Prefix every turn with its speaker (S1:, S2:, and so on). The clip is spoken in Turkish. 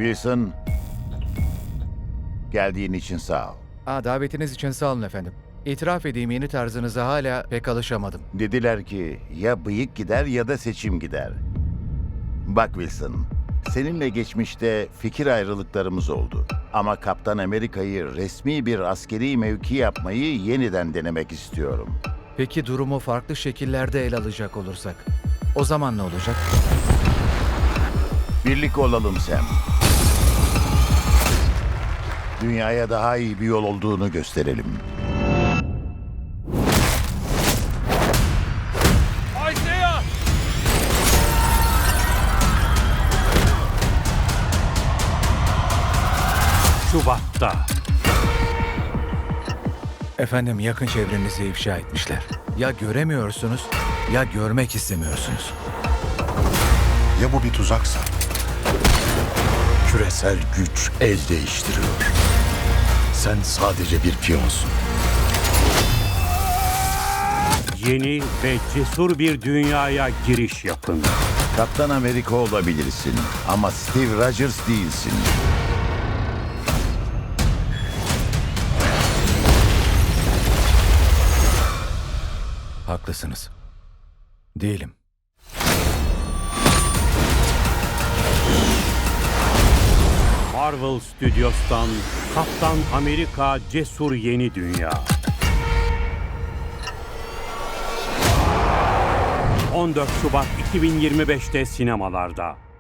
S1: Wilson, geldiğin için sağ ol.
S2: Davetiniz için sağ olun efendim. İtiraf edeyim, yeni tarzınıza hala pek alışamadım.
S1: Dediler ki ya bıyık gider ya da seçim gider. Bak Wilson, seninle geçmişte fikir ayrılıklarımız oldu. Ama Kaptan Amerika'yı resmi bir askeri mevki yapmayı yeniden denemek istiyorum.
S2: Peki durumu farklı şekillerde ele alacak olursak, o zaman ne olacak?
S1: Birlik olalım Sam. Dünyaya daha iyi bir yol olduğunu gösterelim.
S3: Isaiah!
S4: Şubat'ta.
S2: Efendim, yakın çevrenizi ifşa etmişler. Ya göremiyorsunuz ya görmek istemiyorsunuz.
S5: Ya bu bir tuzaksa? Küresel güç el değiştiriyor. Sen sadece bir piyonsun.
S4: Yeni ve cesur bir dünyaya giriş yapın.
S1: Kaptan Amerika olabilirsin ama Steve Rogers değilsin.
S2: Haklısınız. Değilim.
S4: Marvel Studios'tan Kaptan Amerika Cesur Yeni Dünya. 14 Şubat 2025'te sinemalarda.